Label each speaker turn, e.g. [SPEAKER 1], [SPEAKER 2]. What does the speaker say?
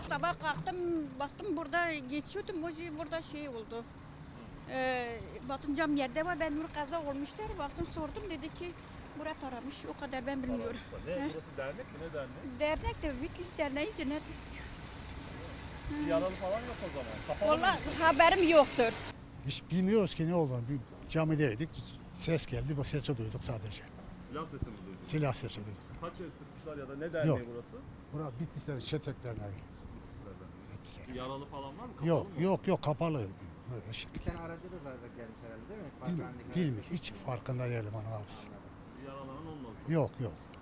[SPEAKER 1] Sabah kalktım, baktım burada geçiyordum, burada şey oldu. Baktım cam yerde var, ben bunu kaza olmuşlar. Baktım sordum, dedi ki Murat aramış, o kadar ben bilmiyorum.
[SPEAKER 2] Ne, burası dernek mi, ne derneği?
[SPEAKER 1] Dernek de Vikis Derneği ne?
[SPEAKER 2] Bir yaralı falan yok o zaman. Kapalı mı?
[SPEAKER 1] Vallahi haberim yoktur.
[SPEAKER 3] Hiç bilmiyoruz ki ne olduğunu. Bir camideydik. Ses geldi. Bu sesi duyduk sadece.
[SPEAKER 2] Silah sesi mi duydun?
[SPEAKER 3] Silah sesi duyduk.
[SPEAKER 2] Kaç el sıkmışlar ya da ne derneği
[SPEAKER 3] Yok.
[SPEAKER 2] burası?
[SPEAKER 3] Bura Bitlisler Çetek Derneği. Bitlisler.
[SPEAKER 2] Yaralı falan var mı? Kapalı
[SPEAKER 3] Yok
[SPEAKER 2] mı?
[SPEAKER 3] yok kapalı. Böyle
[SPEAKER 4] Bir
[SPEAKER 3] şekilde.
[SPEAKER 4] tane araca da zarar gelmiş herhalde değil mi?
[SPEAKER 3] Bilmiyorum. Hiç farkında değilim onu abisi.
[SPEAKER 2] Bir yaralanan olmadı.
[SPEAKER 3] Yok.